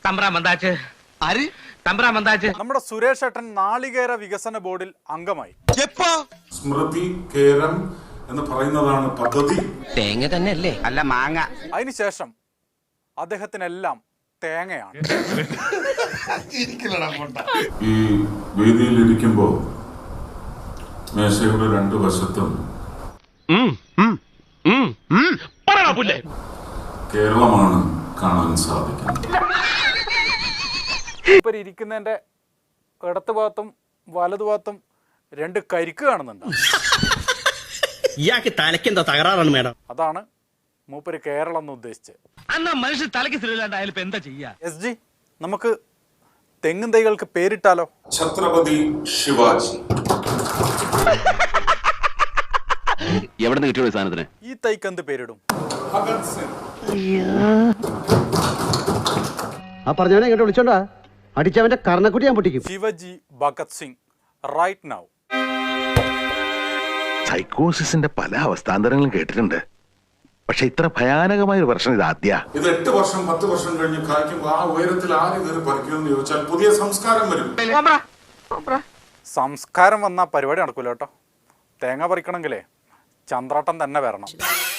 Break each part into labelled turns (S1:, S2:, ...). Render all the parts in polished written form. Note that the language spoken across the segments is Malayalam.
S1: നമ്മുടെ സുരേഷ് ഏട്ടൻ നാളികേര വികസന ബോർഡിൽ അംഗമായി.
S2: സ്മൃതി കേരം എന്ന് പറയുന്നതാണ് പദ്ധതി.
S3: തേങ്ങ തന്നെ അല്ലേ? അല്ല, മാങ്ങ.
S1: അതിനുശേഷം അദ്ദേഹത്തിനെല്ലാം തേങ്ങയാണ്.
S2: ഈ വേദിയിലിരിക്കുമ്പോ മേശയുടെ രണ്ടു വശത്തും കേരളമാണ് കാണാൻ സാധിക്കുന്നത്.
S1: ഇപ്പൊ ഇരിക്കുന്നതിന്റെ ഇടത്ത് ഭാഗത്തും വലതു ഭാഗത്തും രണ്ട് കരിക്ക് കാണുന്നുണ്ട്.
S4: ഇയാൾക്ക് തലയ്ക്ക് എന്താ തകരാറാണ് മേഡം?
S1: അതാണ് മൂപ്പര് കേരളം എന്ന് ഉദ്ദേശിച്ചത്.
S3: മനുഷ്യൻ തലയ്ക്ക് സ്ഥിരമില്ലാണ്ടായാലും എന്താ ചെയ്യാ?
S1: എസ് ജി, നമുക്ക് തെങ്ങും തൈകൾക്ക് പേരിട്ടാലോ?
S2: ഛത്രപതി ശിവാജി.
S5: എവിടെ നിന്ന് കിട്ടിയ സാധനത്തിന്?
S1: ഈ തൈക്ക് എന്ത് പേരിടും?
S2: ഭഗത് സിംഗ്.
S6: ആ പറഞ്ഞവനെ ഇങ്ങോട്ട് വിളിച്ചോണ്ടാ അടിച്ചവന്റെ കർണക്കുട്ടി ഞാൻ പൊട്ടിക്കും.
S1: Shivaji Bhagat Singh right now.
S7: സൈക്കോസിന്റെ പല അവസ്ഥാന്തരങ്ങളും കേട്ടിട്ടുണ്ട്, പക്ഷെ ഇത്ര ഭയാനകമായ ഒരു പ്രശ്നം ഇത് ആദ്യ.
S2: ഇത് 8 വർഷം 10 വർഷം കഴിഞ്ഞ് കായ്ക്കുമ്പോൾ ആ ഉയരത്തിൽ ആര് കയറി പറിക്കുമെന്ന് ചോദിച്ചാൽ പുതിയ സംസ്കാരം വരും.
S1: സംസ്കാരം വന്ന പരിപാടി നടക്കൂല കേട്ടോ. തേങ്ങ പറിക്കണമെങ്കിലേ ചന്ദ്രാട്ടം തന്നെ വരണം.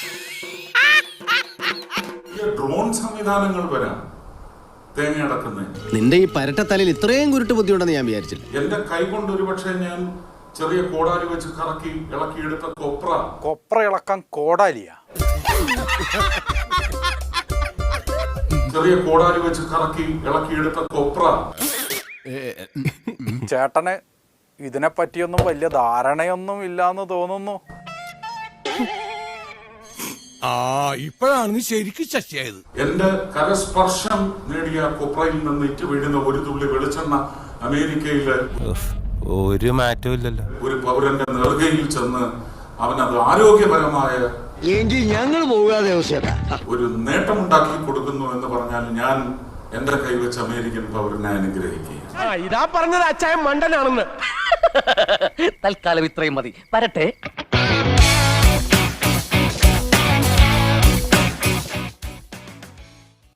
S2: ഡ്രോൺ സംവിധാനങ്ങൾ വരാം തേങ്ങ അടക്കുന്നത്.
S8: നിന്റെ ഈ പരട്ട തലയിൽ ഇത്രയും കുരുട്ട് ബുദ്ധിയുണ്ടെന്ന് ഞാൻ വിചാരിച്ചില്ല.
S2: എന്റെ കൈ കൊണ്ട് ഒരുപക്ഷെ ഞാൻ ചെറിയ കോടാലി വെച്ച് കറക്കി ഇളക്കിയെടുത്ത
S1: കൊപ്ര ഇളക്കാൻ കോടാലിയാ?
S2: ചെറിയ കോടാലി വെച്ച് കറക്കി ഇളക്കിയെടുത്ത
S1: ചേട്ടന് ഇതിനെ പറ്റിയൊന്നും വലിയ ധാരണയൊന്നും ഇല്ലാന്ന് തോന്നുന്നു.
S9: ഇപ്പോഴാണ് ശരിക്കും ശശിയായത്.
S2: എന്റെ കരസ്പർശം നേടിയ കൊപ്രയിൽ നിന്ന് ഇറ്റ് വീഴുന്ന ഒരു തുള്ളി വെളിച്ചെണ്ണ അമേരിക്കയിലെ
S9: ഒരു മാറ്റവും ഇല്ലല്ലോ.
S2: ഒരു പൗരന്റെ നെറുകയിൽ ചെന്ന് അവനത് ആരോഗ്യപരമായ
S6: ഞങ്ങൾ പോകാതെ
S2: ഒരു നേട്ടമുണ്ടാക്കി കൊടുക്കുന്നു എന്ന് പറഞ്ഞാൽ ഞാൻ എന്റെ കൈവച്ച് അമേരിക്കൻ പൗരനെ അനുഗ്രഹിക്കുക.
S4: ഇതാ പറഞ്ഞത് അച്ചായൻ മണ്ടനാണെന്ന്.
S3: തൽക്കാലം ഇത്രയും മതി. വരട്ടെ.